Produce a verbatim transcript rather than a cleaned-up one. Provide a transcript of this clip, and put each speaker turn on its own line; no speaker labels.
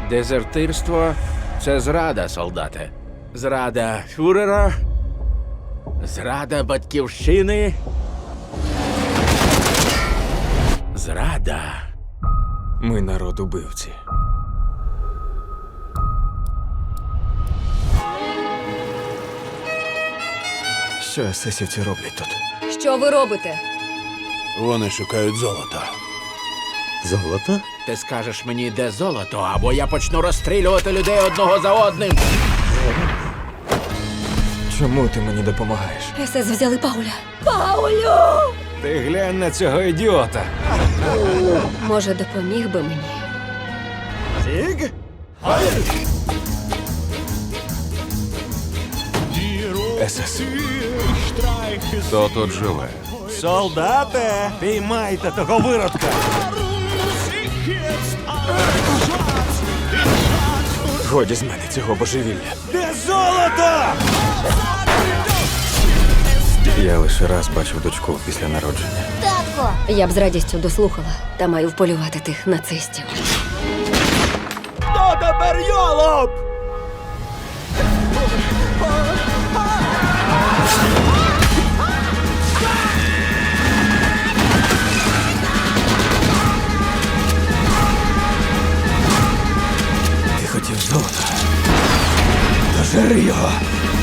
Дезертирство – це зрада, солдате. Зрада фюрера, зрада батьківщини, зрада.
Ми народ убивці. Що есесівці роблять тут?
Що ви робите?
Вони шукають золото.
Золото?
Ти скажеш мені, де золото, або я почну розстрілювати людей одного за одним.
Чому ти мені допомагаєш?
ес ес взяли Пауля. Паулю!
Ти глянь на цього ідіота.
Може, допоміг би мені?
Тіг? ес ес.
Хто тут живе?
Солдате! Піймайте того виродка! Годі з мене цього божевілля. Де золото? Я лише раз бачив дочку після народження.
Татко! Я б з радістю дослухала, та маю вполювати тих нацистів.
Хто тепер йолоп? Ти хотів золота? Дожери його!